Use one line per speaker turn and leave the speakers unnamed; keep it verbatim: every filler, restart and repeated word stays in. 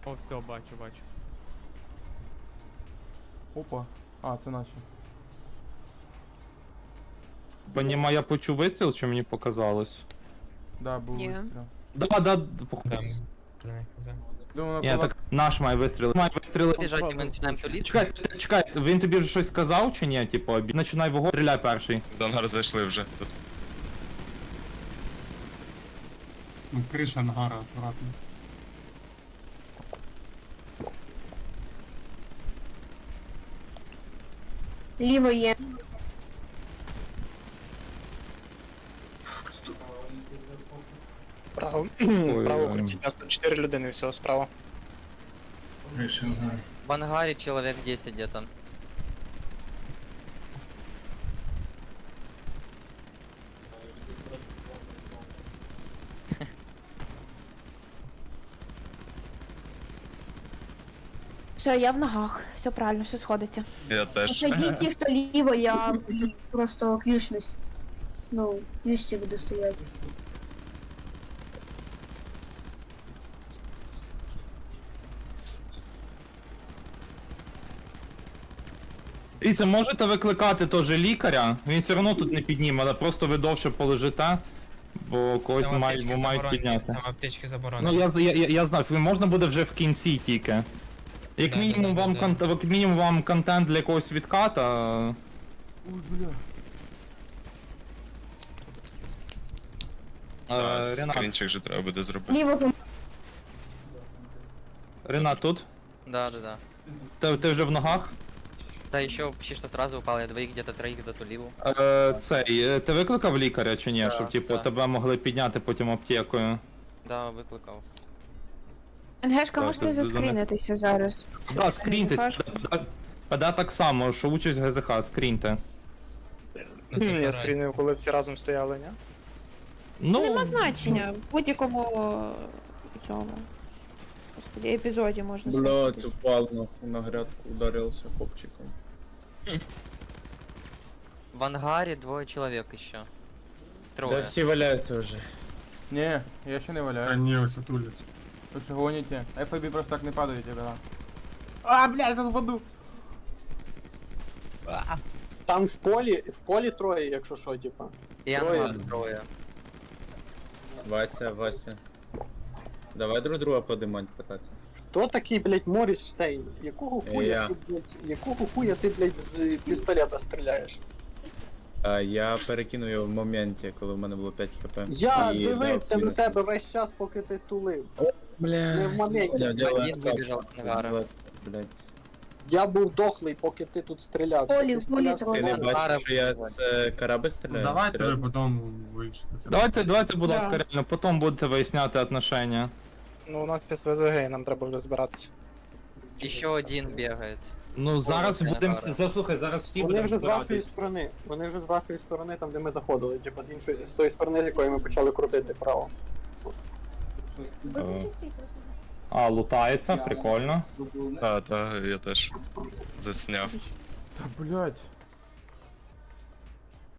О, все, бачу, бачу.
Опа. А, це наші.
Поніма, я почув вистріл, чи мені показалось?
Да, був
Ні.
вистріл.
Да, да, походу.
Думаю,
Ні,
на
так наш має вистріли. Має вистріли.
Біжать, і ми починаємо туліти.
Чекай, чекай, він тобі вже щось сказав чи ні? Типу, обі- починай вогонь, стріляй перший.
В ангар зайшли вже тут.
Ну, криша ангара, аккуратно.
Ліво є.
Право,
Ой,
право
ой.
крутіть, нас тут чотири людини, все, справа.
В ангарі чоловік десять где-то.
Все, я в ногах. Все правильно, все сходиться.
Я теж.
Тоді ті, хто ліво, я просто к'юшнусь. Ну, к'юшці буду стояти.
І це можете викликати теж лікаря, він все одно тут не підніме, але просто ви довше полежите, бо когось
Там
мають,
аптечки
бо мають
заборонені,
підняти.
Там аптечки
Ну
заборонені.
я, я, я, я знав, можна буде вже в кінці тільки. Як
Да,
мінімум
да, да,
вам
да,
кон- як мінімум вам контент для якогось відката.
Ой, бля.
А,
Е, Ренат,
скрінчик же треба буде зробити.
Ліво пом-
Ренат тут?
Да, да, да.
Ти, ти вже в ногах?
Та ще почти що сразу упал, я двоих где-то троих затулил.
Е, цей, е, ти викликав лікаря чи ні,
Да,
щоб типу
да.
тебе могли підняти потім аптекою?
Да, викликав.
НГшка,
Так,
можете
це
заскрінитися зараз.
Да, скріньтесь.
ГЗХшку.
ПД так само, що участь ГЗХ, скріньте.
Ну, це
Я
карать.
скрінив, коли всі разом стояли, ні?
Ну,
Ну,
нема значення. В будь-якому е, цьому. Господи, епізоді можна
Блять,
сказати.
упал нахуй на грядку, ударился копчиком.
В ангаре двое человек еще.
Да
Трое.
все валяются уже.
Ні, я ще не
А
валяю.
ні, ось отуляться.
Ви що гоніте? еф ай бі просто так не падають, ребята. А, блядь, я впаду.
Там в полі, в полі троє, якщо що, типа.
И
Трое.
ангар трое.
Вася, Вася. Давай друг друга подимать питати.
Хто такий, блядь, Моріс Штейн? Якого хуя
Я.
ти, блядь, якого хуя ти, блядь, з пістолета стріляєш?
А я перекинув його в моменті, коли в мене було п'ять хп.
Я
І
дивився
дав
на
мінус.
тебе весь час, поки ти тулив.
Бля,
Не в моменті.
поняв, діло
Один
так.
вибіжав з ангара.
Блять.
Я був дохлий, поки ти тут стріляв.
Полі,
Ти стріляв,
полі
Ти не
стріляв.
бачиш, що я з е, кораби
Ну,
стріляю?
давайте ви
Серйозно?
потім вийшли.
давайте, давайте, будь
Да.
ласка, реально, потім будете виясняти отношення.
Ну, у нас зараз ве зе ге, нам треба вже збиратися.
Еще один бегает.
Ну зараз
це
будемо.
Ангара.
Заслухай, зараз всі
Вони
будемо
вже з вашої
збиратись.
сторони. Вони вже з вашої сторони, там де ми заходили, типа з іншої з тої сторони, з якої ми почали крутити право.
Е, А, лутається, прикольно.
Та, та, я теж засняв.
Та, блядь.